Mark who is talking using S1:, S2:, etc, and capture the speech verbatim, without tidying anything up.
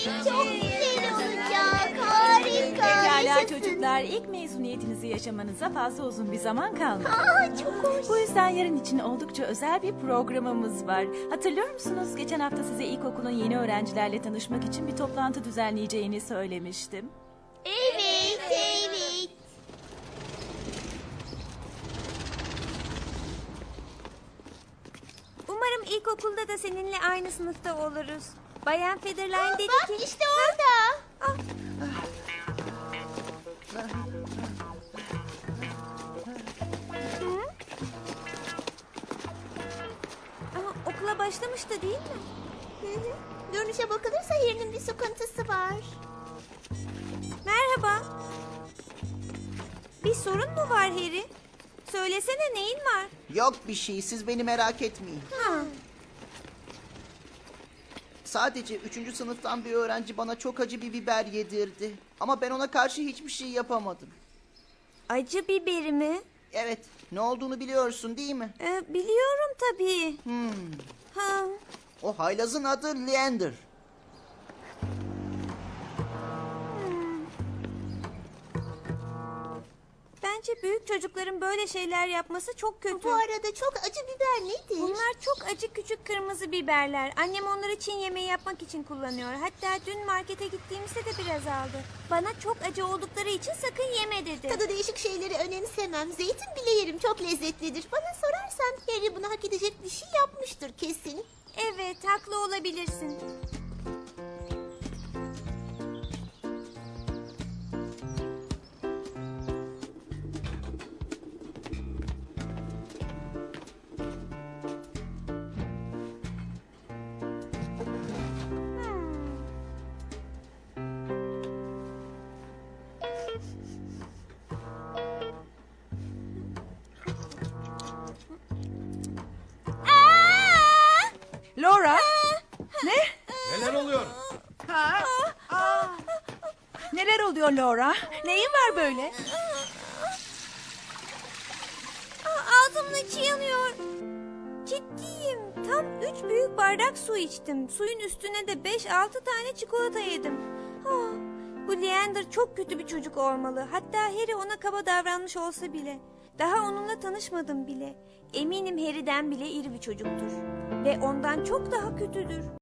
S1: Çok güzel olacak. Harika.
S2: Pekala
S1: Yaşasın.
S2: çocuklar, ilk mezuniyetinizi yaşamanıza fazla uzun bir zaman kalmadı.
S1: Aa, çok hoş.
S2: Bu yüzden yarın için oldukça özel bir programımız var. Hatırlıyor musunuz? Geçen hafta size ilkokulun yeni öğrencilerle tanışmak için bir toplantı düzenleyeceğini söylemiştim.
S1: Evet, evet.
S3: Umarım ilkokulda da seninle aynı sınıfta oluruz. Bayan Federline dedi
S1: Bak
S3: ki...
S1: işte orada.
S3: Ah, ama okula başlamıştı değil mi?
S1: Hı hı. Görünüşe bakılırsa Harry'nin bir sıkıntısı var.
S3: Merhaba. Bir sorun mu var Harry? Söylesene neyin var?
S4: Yok bir şey, siz beni merak etmeyin.
S3: Ha.
S4: Sadece üçüncü sınıftan bir öğrenci bana çok acı bir biber yedirdi. Ama ben ona karşı hiçbir şey yapamadım.
S3: Acı biberi mi?
S4: Evet, ne olduğunu biliyorsun değil mi?
S3: Ee, biliyorum tabii.
S4: Hmm,
S3: Ha.
S4: o haylazın adı Leander.
S3: Bence büyük çocukların böyle şeyler yapması çok kötü.
S1: Bu arada çok acı biber nedir?
S3: Bunlar çok acı küçük kırmızı biberler. Annem onları Çin yemeği yapmak için kullanıyor. Hatta dün markete gittiğimizde de biraz aldı. Bana çok acı oldukları için sakın yeme dedi.
S1: Tadı değişik şeyleri önemsemem. Zeytin bile yerim, çok lezzetlidir. Bana sorarsan Harry bunu hak edecek bir şey yapmıştır kesin.
S3: Evet, haklı olabilirsin.
S2: Laura! Ne?
S5: Neler oluyor?
S2: Ha? Aa. Neler oluyor Laura? Neyin var böyle?
S3: Aa, ağzımın içi yanıyor. Ciddiyim. Tam üç büyük bardak su içtim. Suyun üstüne de beş altı tane çikolata yedim. Ah, bu Leander çok kötü bir çocuk olmalı. Hatta Harry ona kaba davranmış olsa bile. Daha onunla tanışmadım bile. Eminim Harry'den bile iri bir çocuktur. Ve ondan çok daha kötüdür.